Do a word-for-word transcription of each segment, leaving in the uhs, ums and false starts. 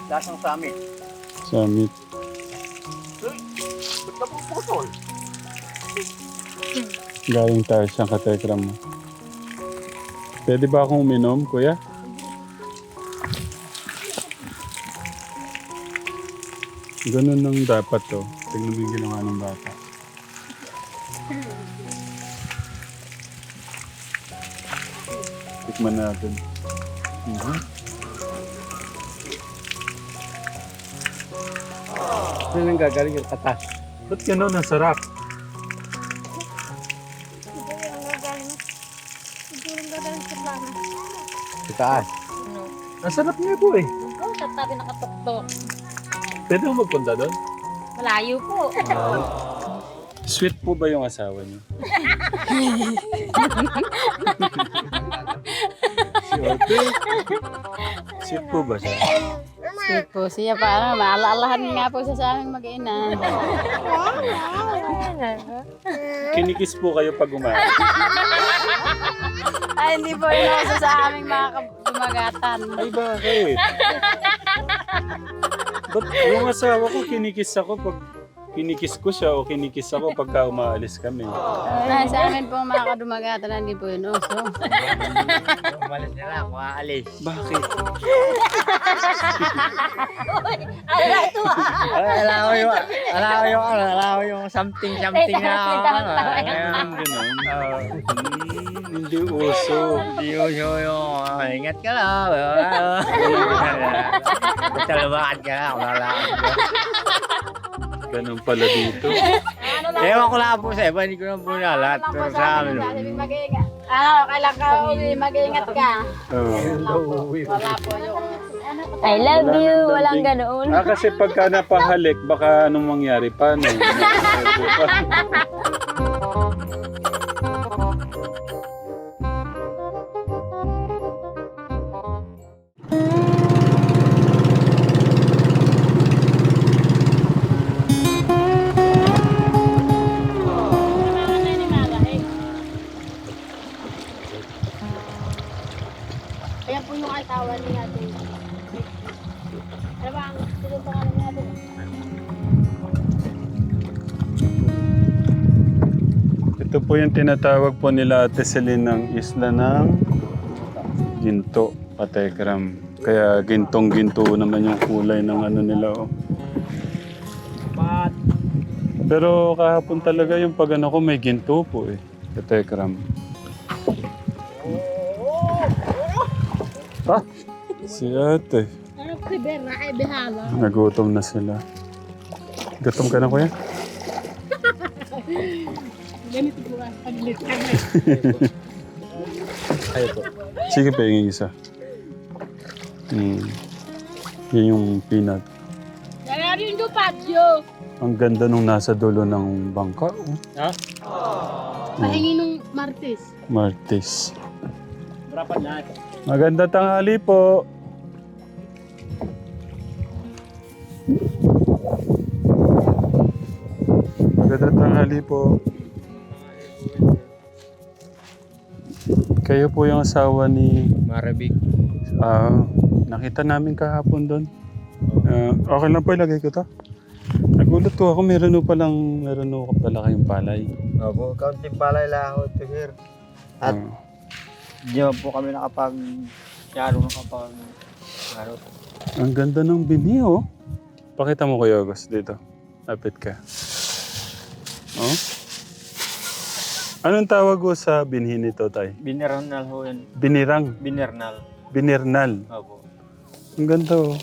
Lasang summit. Summit. Uy, ba't na puputol? Galing tayo siyang katekram mo. Pwede ba akong uminom, kuya? Ganun nang dapat to. Tingnan mo yung ginawa ng bata. Tikman natin. Mhm. Saan ang gagaling yung katas? Ba't ganun? Ang sarap. Siguro ang gagaling. Siguro ang gagaling sa plano. Sa taas. Ano? Ang sarap niya po eh. Oo, sa tabi nakatuktok. Pwede mo magpunta doon? Malayo po. Sweet po ba yung asawa niyo? Siyempre. Sweet po ba siya? Sweet po siya, parang maalaalahan nga po siya sa aming mag-ina. Kinikis po kayo pag umalis. Ay, hindi po yun uso sa aming mga dumagatan. Ay, bakit? Ba't yung asawa ko kinikis ako pag kinikis ko siya o kinikis ako pagka umaalis kami. Ay, sa amin po mga kadumagatan, hindi po yun uso. Umalis na lang, makaalis. Bakit? Ala ito ah. Alam ko yung, alam ko yung, ano, alam ko yung something, something na, ano, Ganun, ganun. Hmm, hindi uso. Hindi ko yung, ah, ingat ka lang. Basta lumakad ka lang, lalakad ka. Ganun pala dito. Ewan ko lang po sa iba, hindi ko lang po na lahat. Pero sa amin, oh. Ano, kailan ka uli, mag-iingat ka. Oh. Wala po yung... I love Wala you. nang Walang dating. ganoon. Ah, kasi pagka napahalik, baka anong mangyari pa, no? Ayan po yung asawa ni Ate. Ano ba ang sino pangalan ni Ate? Ito po yung tinatawag po nila Ate Celine ng isla ng ginto, katekram. Kaya gintong-ginto naman yung kulay ng ano nila. Oh. Pero kahapon talaga yung pag ano ko may ginto po eh, katekram. Ah, si ate. Ano po si Berna? Ay, Behala. Nagutom na sila. Gutom ka na, kuya? Ganito po ang paglit. Ayaw po. Sige pa, yung isa. Hmm. Yan yung peanut. Kaya rin yung patio. Ang ganda nung nasa dulo ng bangka. Oh. Ha? Pahingi nung Martes. Martis. Rapat na ito. Maganda tanghali po. Maganda tanghali po. Kayo po yung asawa ni... Marabig. Ah, nakita namin kahapon doon. Ah, okay lang po, ilagay ko to. Nagulat ko ako, meron po palang, meron po pala kayong palay. Opo, kaunting palay lang ako ito, sir. At Ah, di ba po kami nakapag... Yaro nakapag... Yaro. ang ganda ng bini, oh. Pakita mo Kuya August dito. Lapit ka. Oh? Anong tawag ko sa binhi nito, tay? Binernal ho yan. Binirang. Binernal. Binirnal. Opo. Ang ganda, oh.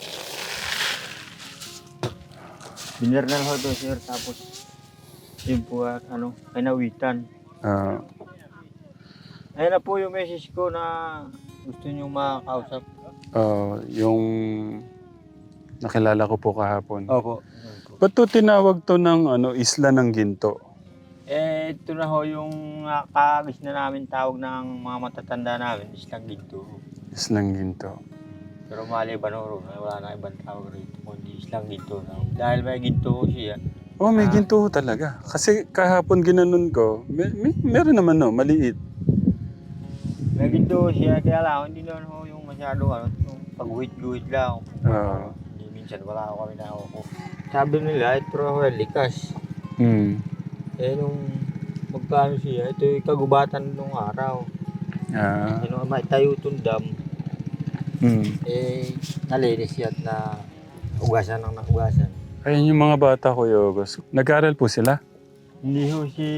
Binernal ho to, sir. Tapos, yun po, ah, ano, kinawitan. Ah, Ayun na po yung message ko na gusto nyo makakausap. ah, yung nakilala ko po kahapon. Opo. Ba't to tinawag to ng ano, isla ng ginto? Eh, ito na ho yung uh, kagis na namin tawag ng mga matatanda namin, islang ginto. Islang ginto. Pero maliban ho ron, wala na ibang tawag rito, kundi islang ginto na. Dahil may ginto ho siya. Oh, may Ah. ginto ho talaga. Kasi kahapon ginanon ko, may, may, meron naman no, maliit. May ginto ho siya, kaya lang, hindi naman ho yung masyado, ano, yung pag-guhit-guhit lang. Ah. Hindi minsan wala ako kami na ako. Sabi nila, ito raw likas. Hmm. Eh nung magkano siya, ito yung kagubatan nung araw. Ah. Eh nung may tayo itong dam, Hmm. eh nalinis siya at na ugasan ng naugasan. Ayun yung mga bata, Kuya August. Nag-aaral po sila? Hindi ho si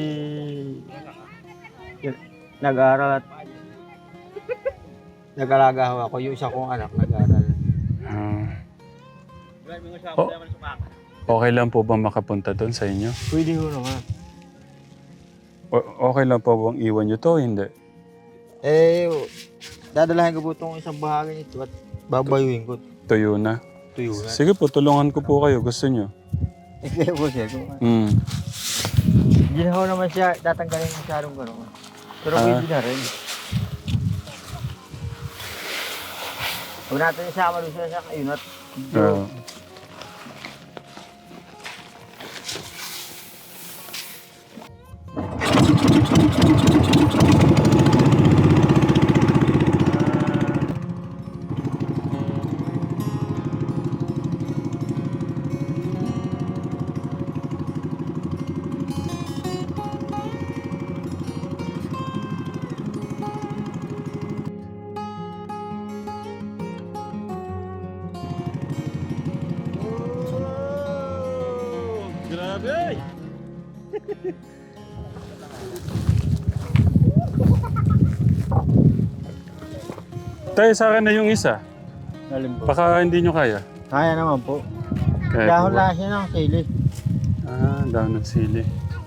nag-aaral at nag-alaga ho ako. Yung isa kong anak nag-aaral. Ah. O- okay lang po ba makapunta doon sa inyo? Pwede ho naman. O- okay lang po bang iwan nyo to? Hindi. Eh, dadalahin ko po itong isang bahagi nito at babayuin ko. Tuyo na. Tuyo na. Sige po, tulungan ko po kayo. Gusto nyo? Eh, kaya po siya. Kung, Hmm. hindi na ho naman siya tatanggalin yung sarong gano'n. Pero Ah. pwede na rin. Huwag natin isama doon siya sa ayun at Ah. Grabe! Tayo sa akin na yung isa. Alim po. Baka hindi nyo kaya. Kaya naman po. Kaya Dahon po ba? lang siya ng sili. Ah, dahon ng sili.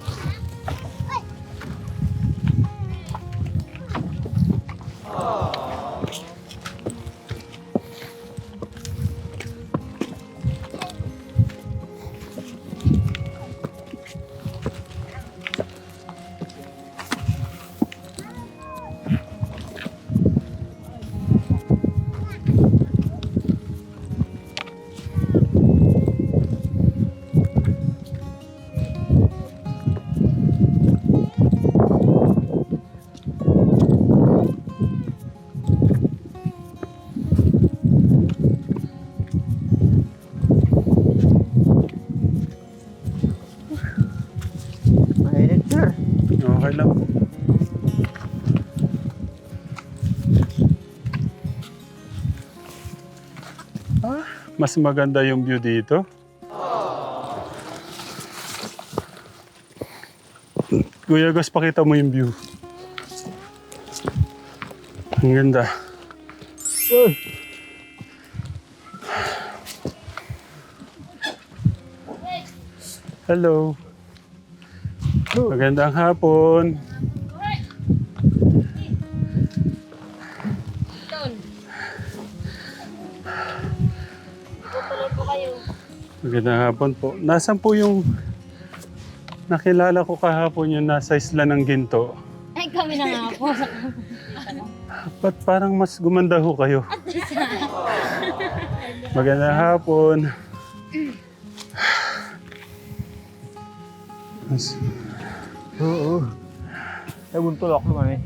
Mainit, sir. Okay lang po. Ah, mas maganda yung view dito. Kuya Gus, pakita mo yung view. Ang ganda. Uy! Hello. Magandang hapon. Magandang hapon po. Nasaan po yung nakilala ko kahapon yung nasa isla ng Ginto? Ay, kami na nga po. Ba't parang mas gumanda ho kayo? Magandang hapon. Mas- Oo. Naguntulok naman eh.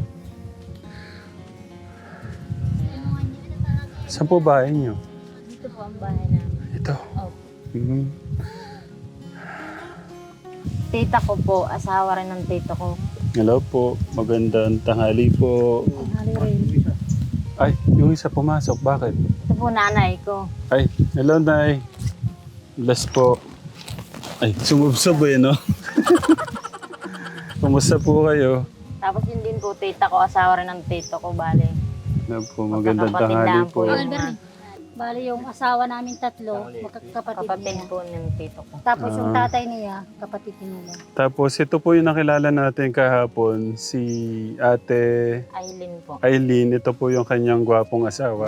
Saan po bahay niyo? Dito po ang bahay namin. Ito. Mhm. Tita ko po, asawa rin ng tito ko. Hello po. Magandang tanghali po. Hali rin. Ay, yung isa pumasok. Bakit? Ito po nanay ko. Ay, hello, Nay. Bless po. Ay, sumubsob eh, no? Kumusta po kayo? Tapos yun din po, tita ko, asawa rin ng tito ko, bali. Hello po, magandang Magkakapatid tanghali lang po. yung Albert, mga bali yung asawa namin tatlo, magkakapatid kapatid niya. po ng tito ko. Tapos yung Ah. tatay niya, kapatid nila. Tapos ito po yung nakilala natin kahapon, si Ate Aileen po. Eileen. Ito po yung kanyang gwapong asawa.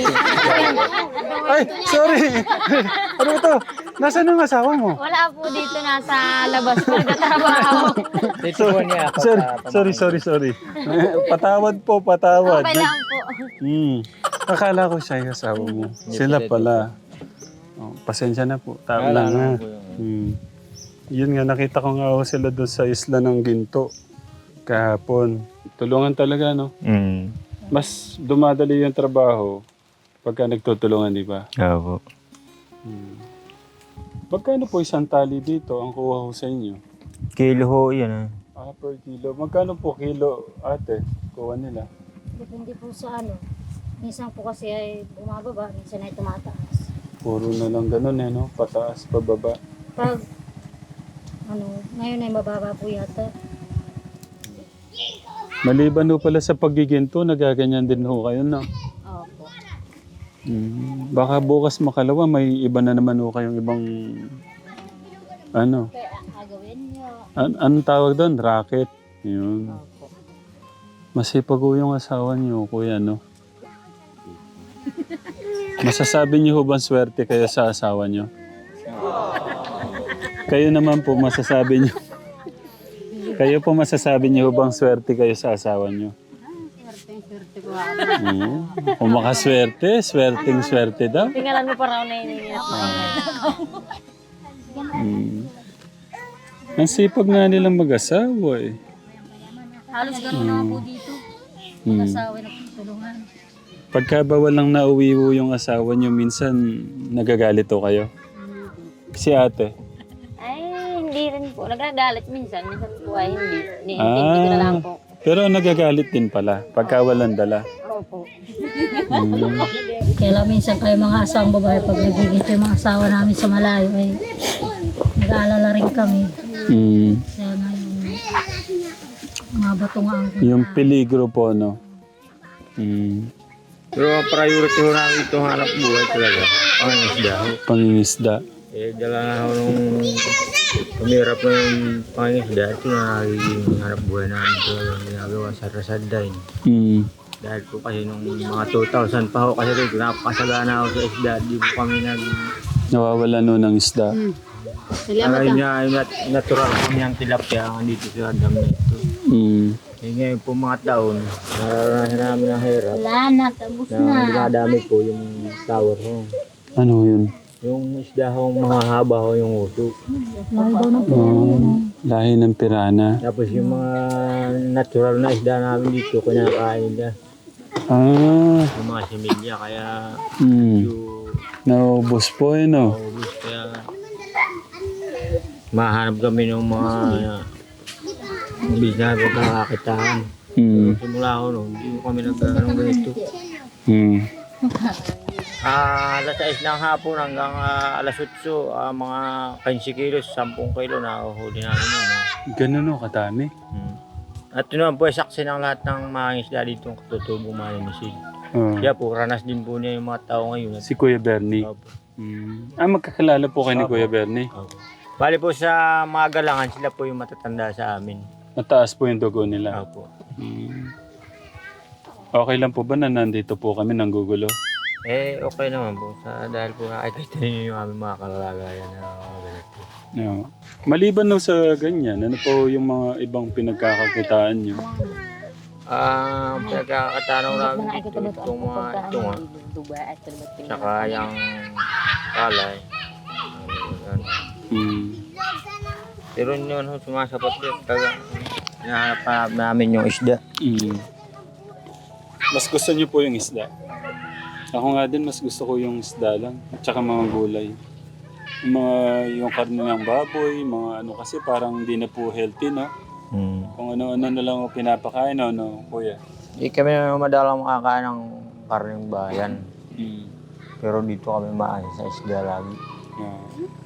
Ay, sorry! Ano ito? Nasaan ang asawa mo? Wala po dito, nasa labas po nagtatrabaho. Tituan niya ako Sorry, sa sorry, sorry, sorry. Patawad po, patawad. Okay lang po. Hmm. Akala ko siya yung asawa mo. Sila pala. Oh, pasensya na po. Tao lang ha. Hmm. Yun nga, nakita ko nga ako sila doon sa isla ng Ginto. Kahapon. Tulungan talaga, no? Mm. Mas dumadali yung trabaho pagka nagtutulungan, di ba? Oo. Hmm. Magkano po isang tali dito ang kuha ko sa inyo? Kilo ho yan. Eh. Ah, per kilo. Magkano po kilo, ate? Kuha nila. Depende po sa ano. Minsan po kasi ay bumababa, minsan ay tumataas. Puro na lang ganun eh, no? Pataas, pababa. Pag ano, ngayon ay mababa po yata. Maliban ho pala sa paggiginto, nagaganyan din ho kayo, no? Opo. Mm. Baka bukas makalawa, may iba na naman ho kayong ibang... Ano? Kaya agawin niyo. An anong tawag doon? Racket. Yun. Opo. Masipag ho yung asawa niyo, kuya, no? Masasabi niyo ho bang swerte kayo sa asawa niyo? Kayo naman po, masasabi niyo. Kayo po masasabi niyo ho bang swerte kayo sa asawa niyo? Swerte ko. Hmm. Kung makaswerte, swerteng swerte daw. Tingnan mo pa raw na iniingat. Hmm. Ang sipag nga nilang mag-asawa eh. Halos gano'n naman po dito. Hmm. Asawa na tulungan. Pagka ba walang nauwi ho yung asawa niyo, minsan nagagalit ho kayo? Si ate. Ay, hindi rin po. Nagagalit minsan. Minsan po ay hindi. Niintindi ko na lang po. Pero nagagalit din pala pagka walang dala. Opo. Hmm. Kaya lang minsan kayo mga asawang babae, pag nagigito yung mga asawa namin sa malayo, ay nag-aalala rin kami. Hmm. Kaya nga yung mga bato nga ang Yung peligro po, no? Hmm. Pero ang priority ho namin ito hanap buhay talaga. Ang isda ho. Pangingisda. Eh, dala na ho nung pumirap na yung pangisda. Ito na nagiging hanap buhay namin talaga ginagawa sa Rasadine. Hmm. Dahil po kasi nung mga two thousand pa ho kasi rin, napakasagana ako sa isda. Di po kami nag... Nawawala no ng isda. Salamat Ay ah. niya, ay nat- natural kami ang tilapia ang dito sa dam na ito. Hmm. Eh ngayon po mga taon, nararanasan namin ang hirap. wala na, tapos Na na. dumadami po yung tower ho. Ano yun? Yung isda ho, mahahaba ho yung uso. Lalo daw na po. Oh, lahi ng pirana. Tapos yung mga natural na isda namin dito, kinakain nila. Ah. Yung mga similya, kaya Hmm. yung Naubos po eh, no? maubos. Kaya mahanap kami ng mga business na pagkakakitaan. Hmm. Simula ko noon, hindi ko kami nag-anong ganito. Hmm. Ah, alas sais ng hapon hanggang ah, alas otso, ah, mga fifteen kilos, ten kilo na uhuli namin yun. Eh. Ganun o, kadami. Hmm. At yun naman po, ay saksi ng lahat ng mga isda dito ang katutubong maninisid. Oh. Kaya po, ranas din po niya yung mga tao ngayon. Si Kuya Bernie. Opo. Hmm. Ah, magkakilala po kayo ni Opo. Kuya Bernie. Opo. Bali po sa mga galangan, sila po yung matatanda sa amin. Mataas po yung dugo nila. Opo. Hmm. Okay lang po ba na nandito po kami nang gugulo? Eh, okay naman po. Sa, dahil po nakikita niyo yung aming mga kalalagayan na mga ganito. No. Maliban no sa ganyan, ano po yung mga ibang pinagkakakitaan nyo? Ah, uh, pinagkakatanong namin dito, itong mga ito nga. Tsaka yung palay. Ano, Hmm. pero yun, sumasapat din. Taga, hinahanap pa namin yung isda. Hmm. Mas gusto nyo po yung isda? Ako nga din, mas gusto ko yung isda lang. At saka mga gulay. Yung mga, yung karne ng baboy, mga ano kasi parang hindi na po healthy, no? Hmm. Kung ano-ano na lang ako pinapakain, no, no, kuya? Hindi kami na madalang makakain ng karneng bayan. Hmm. Pero dito kami maayos sa isda lagi. Yeah.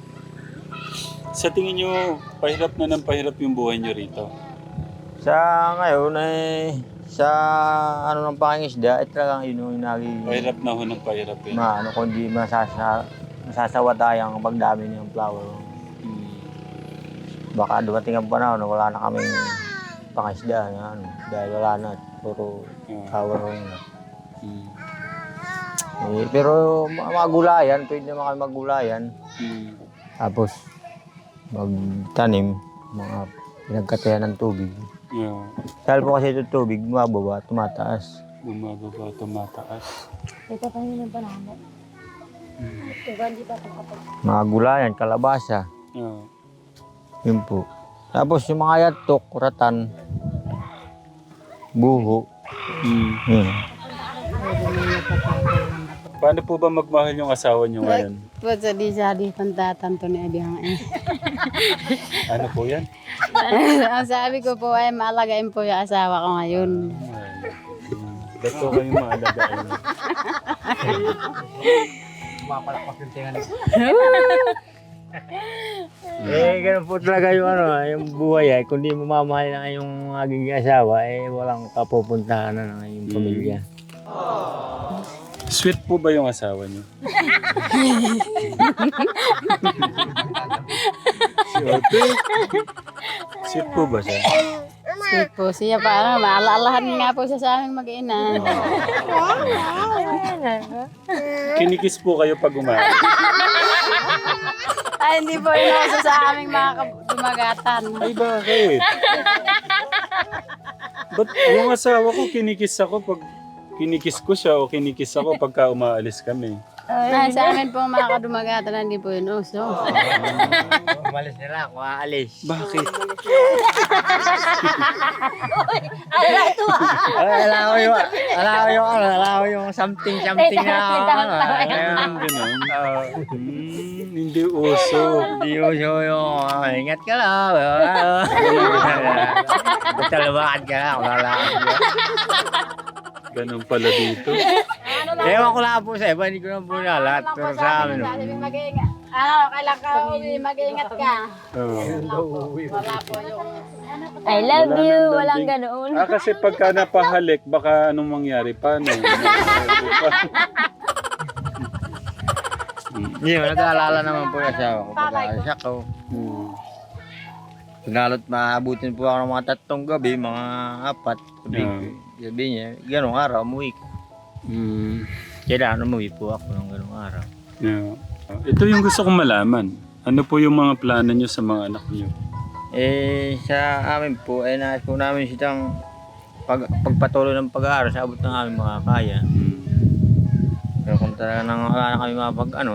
Sa tingin nyo, pahirap na ng pahirap yung buhay nyo rito? Sa ngayon eh, sa ano ng pangingisda, eh talagang yun yung naging Pahirap na ho ng pahirap eh. maano kundi masasa, masasawa tayong pagdami ng flower. Hmm. Baka dumating ang panahon na wala na kaming pangisda na ano, dahil wala na, puro Yeah. flower na. Hmm. Eh, pero mga mga gulayan, pwede naman kami maggulayan. Hmm. Tapos magtanim, mga pinagkatayan ng tubig. Yeah. Dahil po kasi ito tubig, bumababa, tumataas. Bumababa, tumataas. Ito pa yun yung panahon. Ito ba, hindi pa kapag Mga gulayan, kalabasa, Yeah. yun po. Tapos yung mga yatok, ratan, buho, Hmm. yun. Paano po ba magmahal yung asawa niyo ngayon? Po sa di sa di pantatanto ni Adiyang eh. Ano po yan? Ang sabi ko po ay maalagain po yung asawa ko ngayon. Ba't po kayo maalagaan? Eh, ganun po talaga yung ano, yung buhay ay. Kung di mo mamahal na yung maging asawa, eh, walang kapupuntahan na ng iyong pamilya. Sweet po ba yung asawa niyo? Siyempre. Sweet po ba siya? Sweet po siya para maalaalahan nga po siya sa aming mag-ina. Kinikis po kayo pag umalis. Ay hindi po inuso sa aming mga dumagatan. Ay, bakit? Ba't yung asawa ko kinikis ako pag kinikis ko siya o kinikis ako pagka umaalis kami? Ay, sa amin po mga kadumagatan hindi po inuso. Umalis nila, kung aalis. Bakit? Ay, alam ko yung, alam ko yung, ano, alam ko yung something, something na, ano, Ganun, ganun. Hmm, hindi uso. hindi ko siya yung, ah, ingat ka lang, basta lumakad ka lang, lalakad ka. Ganun pala dito. Ewan ko lang po sa iba, hindi ko lang po na lahat, pero sa amin, Sabi mag-iingat. Ano, kailan ka uwi, mag-iingat ka. Oo. Wala po yung... I love Wala you. nang Walang landing. ganoon. Ah, kasi pagka napahalik, baka anong mangyari? Paano? hindi mo, nag-aalala naman po yung asawa ko, pag-aalis ako. Hmm. Pinalot maabutin po ako ng mga tatlong gabi, mga apat, sabi, Yeah. sabi niya, ganong araw, umuwi ka. Hmm. Kailangan umuwi po ako ng ganong araw. Yeah. Ito yung gusto kong malaman. Ano po yung mga plano nyo sa mga anak nyo? Eh, sa amin po, eh, nais po namin silang pag, pagpatuloy ng pag-aaral sa abot ng aming mga kaya. Hmm. Pero kung talaga nang wala na kami mapag, ano,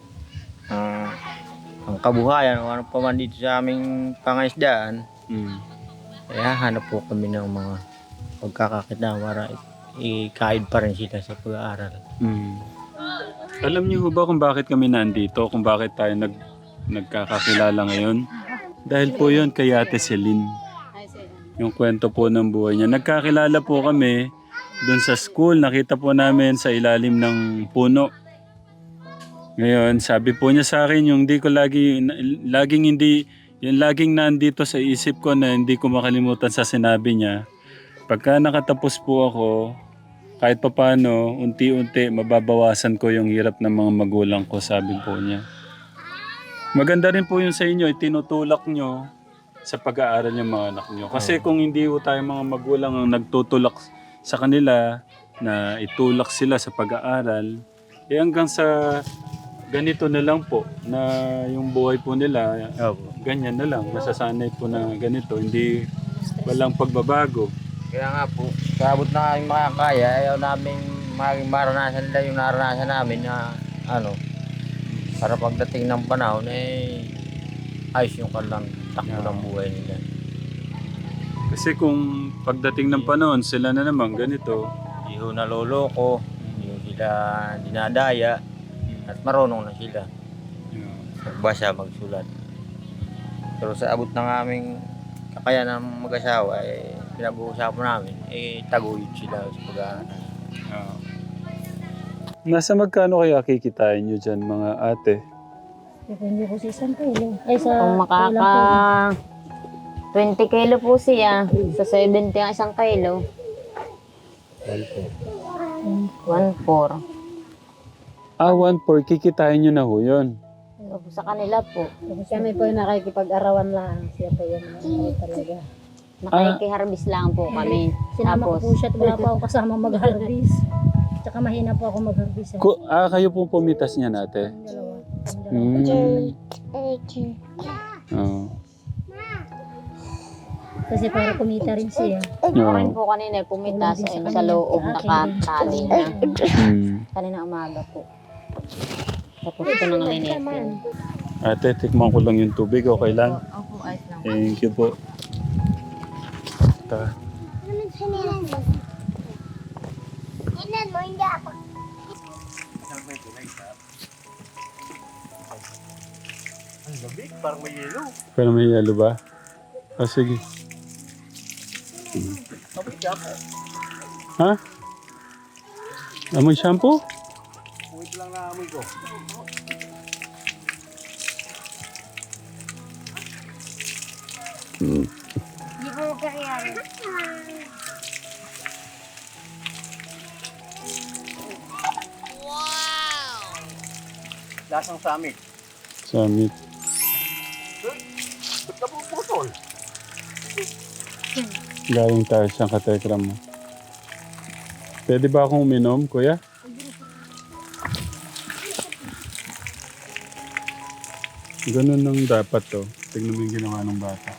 uh, ang kabuhayan o ano pa man dito sa aming pangaisdaan, Hmm. eh, hahanap po kami ng mga pagkakakita para i- i-guide pa rin sila sa pag-aaral. Hmm. Alam niyo ho ba kung bakit kami nandito? Kung bakit tayo nag, nagkakakilala ngayon? Dahil po yun kay Ate Celine. Yung kwento po ng buhay niya. Nagkakilala po kami doon sa school. Nakita po namin sa ilalim ng puno. Ngayon, sabi po niya sa akin yung hindi ko lagi, laging hindi, yung laging nandito sa isip ko na hindi ko makalimutan sa sinabi niya. Pagka nakatapos po ako, kahit pa paano, unti-unti, mababawasan ko yung hirap ng mga magulang ko, sabi po niya. Maganda rin po yun sa inyo, itinutulak nyo sa pag-aaral yung mga anak nyo. Kasi kung hindi po tayo mga magulang ang nagtutulak sa kanila, na itulak sila sa pag-aaral, eh hanggang sa ganito na lang po, na yung buhay po nila, Opo. ganyan na lang, masasanay po na ganito, hindi walang pagbabago. Kaya nga po, sa abot na aming makakaya, ayaw namin maging maranasan nila yung naranasan namin na ano, para pagdating ng panahon, eh, ayos yung kanilang takbo ng buhay nila. Kasi kung pagdating ng panahon, sila na naman ganito. Hindi ho naloloko, hindi ho sila dinadaya, at marunong na sila. Magbasa, magsulat. Pero sa abot ng aming kakayanan ng mag-asawa, eh, pinag-uusapan namin, eh, taguyod sila sa pag-aaral. Ah. Nasa magkano kaya kikitain nyo dyan mga ate? Depende po sa isang kilo. Ay, sa Kung makaka twenty kilo po siya, sa seventy ang isang kilo. one four. Ah, one four, kikitain nyo na ho yun. Sa kanila po. Kami po yung nakikipag-arawan lang. Siya po yung ano talaga. Nakikiharbis lang po kami. Sinama ko Tapos, po siya at wala pa ako kasama mag-harvest. Tsaka mahina po ako mag-harvest. Eh. Ku- ah, kayo pong pumitas niya nate? Yung dalawa. Hmm. Oh. Kasi para kumita rin siya. kumain po kanina, pumitas ayun, sa loob, nakatali na. Hmm. Kanina umaga po. Tapos ito nang linisin. Ate, tikman ko lang yung tubig. Okay lang? Opo, ayos lang. Thank you po. Ta. Hinan mo, hindi ako. Pero may yelo ba? O sige. Ha? Amoy shampoo? Di po kaya. Lasang samit. Samit. Ba't napuputol? Galing tayo sa katekram mo. Pwede ba akong uminom, kuya? Ganun lang dapat to. Tignan mo yung ginawa ng bata.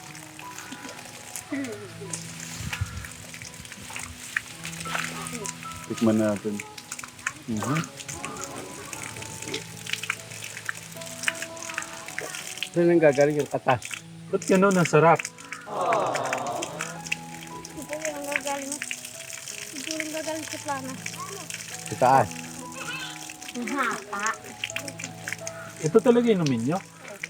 Tikman natin. Mhm. Saan nang gagaling yung katas? Ba't ganun? Ang sarap. Di po yung gagaling. Siguro yung gagaling sa plana. Sa taas. Ito talaga inumin nyo?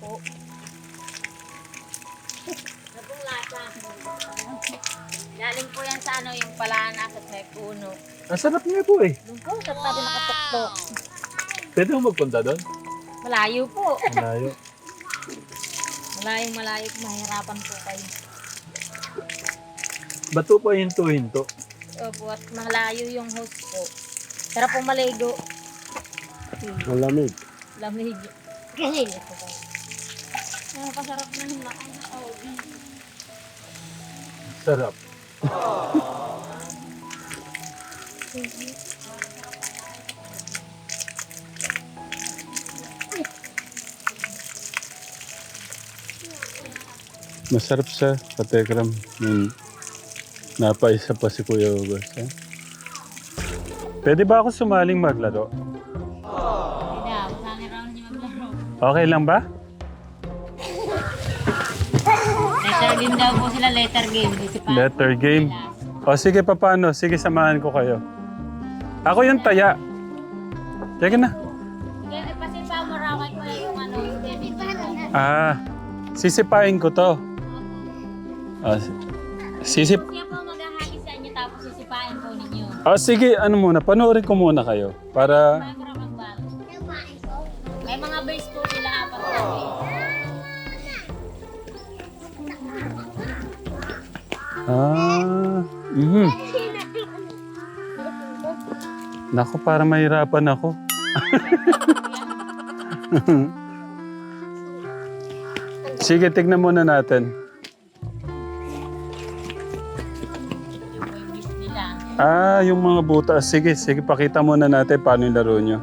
Nagong lasa. Galing po yan sa ano, yung palana sa may puno. Ang sarap niya po eh. Doon po, sa tabi nakatuktok. Pwede mo magpunta doon? Malayo po. Malayo. Malayong malayo, mahirapan po kayo. Bato pa hinto-hinto. Opo, at malayo yung host po. Sarap po maligo. Malamig. Lamig. Kasi. Ito po. Napasarap na yung laki na tawag. Sarap. Masarap siya, katekram. Yung napaisa pa si Kuya August. Eh? Pwede ba ako sumaling maglaro? Hindi na, masangin raw niya maglaro. Okay lang ba? Letter game daw po sila, letter game. Di si pa- Letter game. O sige, paano? Sige, samahan ko kayo. Ako yung taya. Sige na. Sige, pasipa mo raw kay Kuya yung ano, yung David. Ah, sisipain ko to. Ah, si- sisip... Siya po maghahagi sa inyo tapos sisipain po ninyo. Ah, sige, ano muna, panoorin ko muna kayo. Para... May kurang ang balo. May mga base po sila apat na base. Ah, mhm. Naku, para mahirapan ako. Sige, tignan muna natin. Yung po yung base nila. Ah, yung mga butas. Sige, sige, pakita muna natin paano yung laro nyo.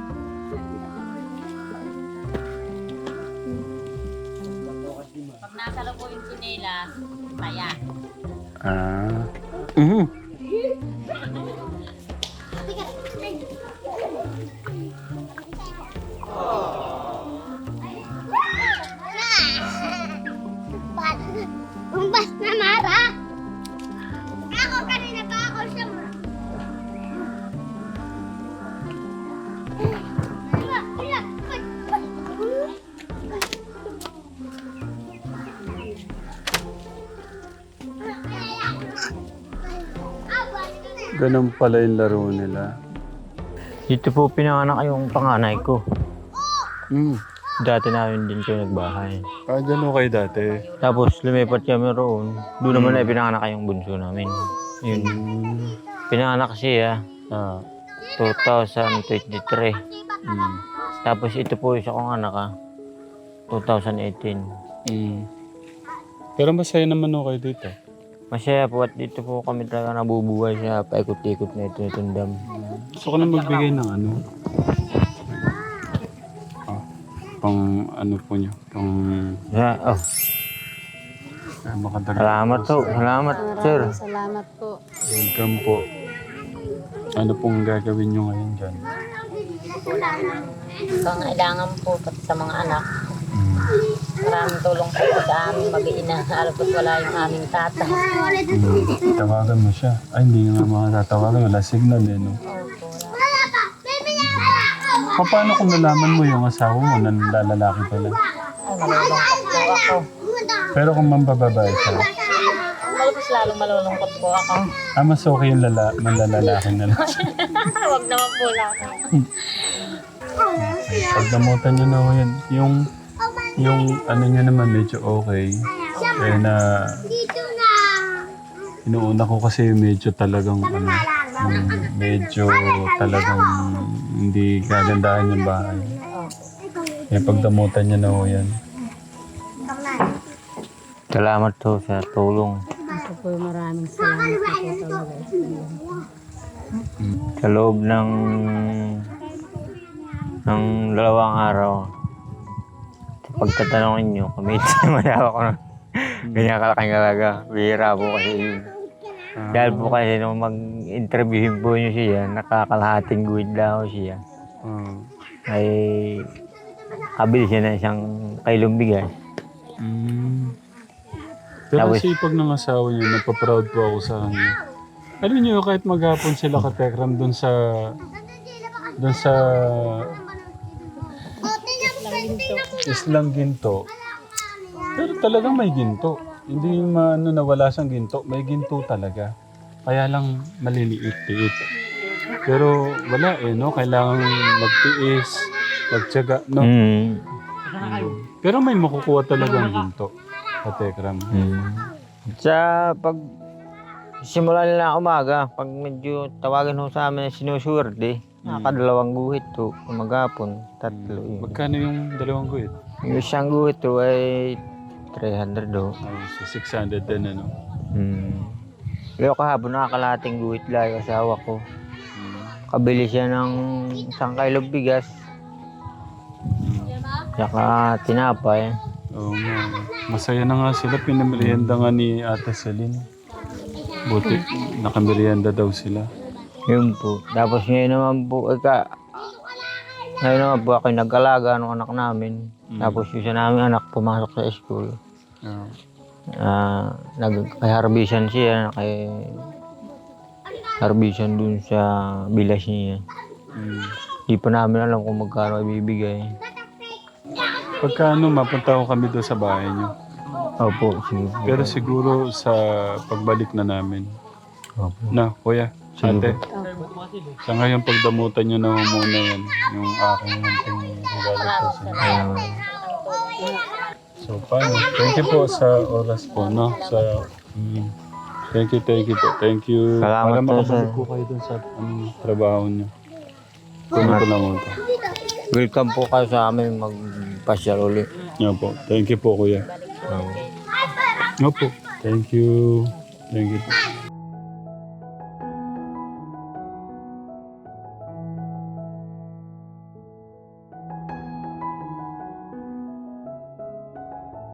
Pag nasa loob po yung chinelas, kaya. Ah. Mhm. Umbas na Mara! Ako kanina pa ako siya mo. Ganun pala yung laro nila. Dito po pinanganak yung panganay ko. Mm. Dati namin din kayo nagbahay. Ah, dyan okay dati. Tapos lumipat kami roon. Doon naman ay pinanganak yung bunso namin. Yun. Pinanganak siya ah, two thousand twenty-three. Mm. Tapos ito po isa kong anak ah, two thousand eighteen. Mm. Pero masaya naman okay dito. Masaya po at dito po kami talaga nabubuhay sa paikot-ikot na ito itong dam. Gusto ko na magbigay ng ano. Ah, pang ano po nyo. Pang... Yeah, oh, Ah, makadagdag salamat po. po. Salamat, sir. Maraming salamat po. Welcome po. Ano pong gagawin nyo ngayon dyan? Pangailangan po pati sa mga anak. Mm. Maraming tulong po sa aming mag-iina. Alam ko't wala yung aming tatay. Mm. Tawagan mo siya. Ay, hindi nga mga tatawagan. Wala signal eh, no? Opo, wala. Paano kung nalaman mo yung asawa mo na lalaki pala? Ay, malulungkot po ako. Pero kung mambababae siya, Mas lalong malulungkot po ako. ah, mas okay yung lala, manlalalaki na lang. Huwag naman po lang. Pag namutan nyo na ho yan, yung, yung ano nyo naman medyo okay. Kaya na, Dito na. inuuna ko kasi medyo talagang ano, yung medyo talagang hindi kagandahan yung bahay. Kaya pag namutan nyo na ho yan. Salamat po sa tulong. Ito po yung maraming salamat po talaga. Sa loob ng ng dalawang araw, sa pagtatanungin nyo, kami mayroon ko ng ganyan kalaking talaga. Bihira po kasi yun. Dahil po kasi nung mag-interviewin po nyo siya, nakakalahating guhit lang ako siya. Ah. Ay kabili siya ng isang kilong bigas. Mm. Pero Tapos- sipag ng asawa niyo, napaproud po ako sa kanya. Alam niyo, kahit maghapon sila katekram doon sa... doon sa... Islang Ginto. Pero talagang may ginto. Hindi maano na wala siyang ginto. May ginto talaga. Kaya lang maliliit-liit. Pero wala eh, no? Kailangan magtiis, magtiyaga, no? Mm. Mm. Pero may makukuha talagang ginto. Katekram. Mm. Sa pag simula nila umaga, pag medyo tawagan ho sa amin na sinusuwerte, nakakadalawang guhit to, umagapon, tatlo yun. Magkano yung dalawang guhit? Yung isang guhit to ay three hundred do. Oh, so six hundred din ano. Hmm. Pero kahapon nakakalating guhit lang yung asawa ko. Mm. Kabili siya ng isang kilong bigas, saka tinapay. Oo nga. Masaya na nga sila. Pinamerienda nga ni Ate Celine. Buti, nakamerienda daw sila. Yun po. Tapos ngayon naman po, ika, ngayon naman po ako yung nag-alaga ng anak namin. Mm. Tapos yung isa namin anak pumasok sa school. Oo. Ah, nag-harbisan siya, kay harbisan dun sa bilas niya. Mm. Di pa namin alam kung magkano ibibigay. Pagkano mapunta ko kami doon sa bahay niyo. Opo, sige po. Pero siguro sa pagbalik na namin. Opo. Na, kuya, Sige ate. Sa ngayon pagdamutan niyo na muna yan. Yung aking munting regalo po sa inyo. Ayun. So, paano? Thank you po sa oras po, no? Sa, mm, thank you, thank you po. Thank you. Salamat Para po, makabalik sir. po kayo dun sa anong trabaho niyo. Kunin ko lang ito. Welcome po kayo sa amin magpasyal ulit. Yan po. Thank you po, kuya. Um, Opo. Thank you. Thank you po.